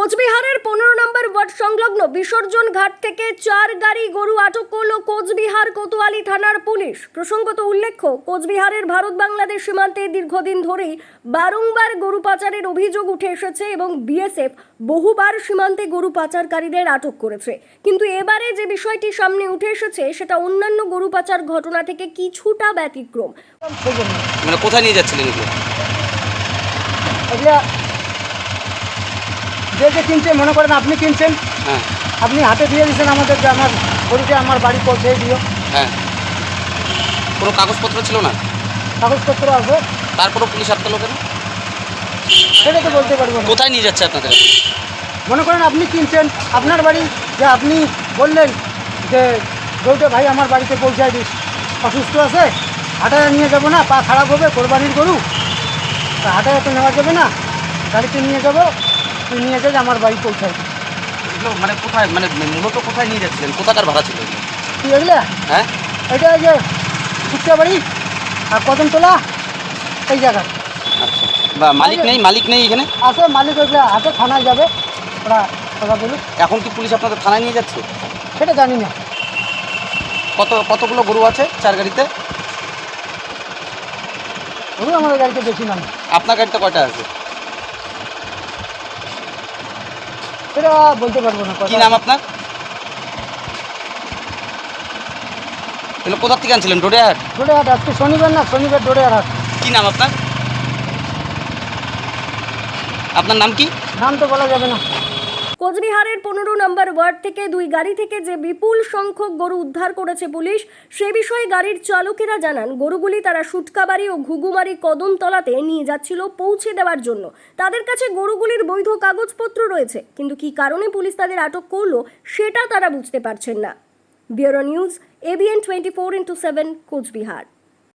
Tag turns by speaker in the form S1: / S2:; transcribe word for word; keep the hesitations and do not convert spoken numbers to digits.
S1: কোচবিহারের পনেরো নম্বর ওয়ার্ড সংলগ্ন বিসর্জন ঘাট থেকে চার গাড়ি গরু আটক করল কোচবিহার কোতোয়ালি থানার পুলিশ। প্রসঙ্গত উল্লেখ্য, কোচবিহারের ভারত বাংলাদেশ সীমান্তে দীর্ঘদিন ধরেই বারংবার গরু পাচারের অভিযোগ উঠে এসেছে এবং বিএসএফ বহুবার সীমান্তে গরু পাচারকারীদের আটক করেছে। কিন্তু এবারে যে বিষয়টি সামনে উঠে এসেছে সেটা অন্যান্য গরু পাচার ঘটনা থেকে কিছুটা ব্যতিক্রম।
S2: মানে কোথায় নিয়ে যাচ্ছিলেন এগুলো?
S3: এগুলা যে যে কিনছে, মনে করেন আপনি কিনছেন,
S2: হ্যাঁ,
S3: আপনি হাতে দিয়ে দিয়েছেন আমাদের যে আমার গরুটা আমার বাড়ি পৌঁছে দিও।
S2: হ্যাঁ, কোনো কাগজপত্র ছিল না?
S3: কাগজপত্র আছে,
S2: তারপরও পুলিশ আটকালো কেন?
S3: সেটা তো বলতে পারবো না।
S2: কোথায় নিয়ে যাচ্ছে আপনাদের?
S3: মনে করেন আপনি কিনছেন, আপনার বাড়ি, যে আপনি বললেন যে গরুটা ভাই আমার বাড়িতে পৌঁছায় দিস, অসুস্থ আছে, হাটায় নিয়ে যাবো না, পা খারাপ হবে, কোরবানির গরু, তা হাটায় তো নেওয়া যাবে না, গাড়িতে নিয়ে যাবো, তুই নিয়ে যাবে আমার বাড়ি পৌঁছায়।
S2: এগুলো মানে কোথায়, মানে মূলত কোথায় নিয়ে যাচ্ছিলেন? কোথাকার ভাড়া ছিল এগুলো?
S3: তুই এগুলা,
S2: হ্যাঁ,
S3: এটা যে কুচা বাড়ি আর কদমতলা এই জায়গা।
S2: আচ্ছা, বা মালিক নেই? মালিক নেই এখানে?
S3: আছে মালিক, ওইগুলো হাতে থানায় যাবে, ওরা কথা বলুক।
S2: এখন কি পুলিশ আপনাদের থানায় নিয়ে যাচ্ছে?
S3: সেটা জানি না।
S2: কত কতগুলো গরু আছে চার গাড়িতে?
S3: ওগুলো আমাদের গাড়িতে বেশি নাম।
S2: আপনার গাড়িতে কয়টা আছে?
S3: সেটা বলতে পারবো না।
S2: কি নাম আপনার? এগুলো কোথা থেকে আনছিলেন? ডোডেহাট?
S3: ডোডেহাট, আজকে শনিবার না, শনিবার ডোডেহাট হাট।
S2: কি নাম আপনার? আপনার নাম কি?
S3: নাম তো বলা যাবে না।
S1: কোচবিহারের পনেরো নম্বর ওয়ার্ড থেকে দুই গাড়ি থেকে যে বিপুল সংখ্যক গরু উদ্ধার করেছে পুলিশ, সে বিষয়ে গাড়ির চালকেরা জানান, গরুগুলি তারা সুটকাবাড়ি ও ঘুঘুমারি কদমতলাতে নিয়ে যাচ্ছিল পৌঁছে দেওয়ার জন্য। তাদের কাছে গরুগুলির বৈধ কাগজপত্র রয়েছে, কিন্তু কী কারণে পুলিশ তাদের আটক করলো সেটা তারা বুঝতে পারছেন না। Bureau news, ABN twenty four into seven, Cooch Behar.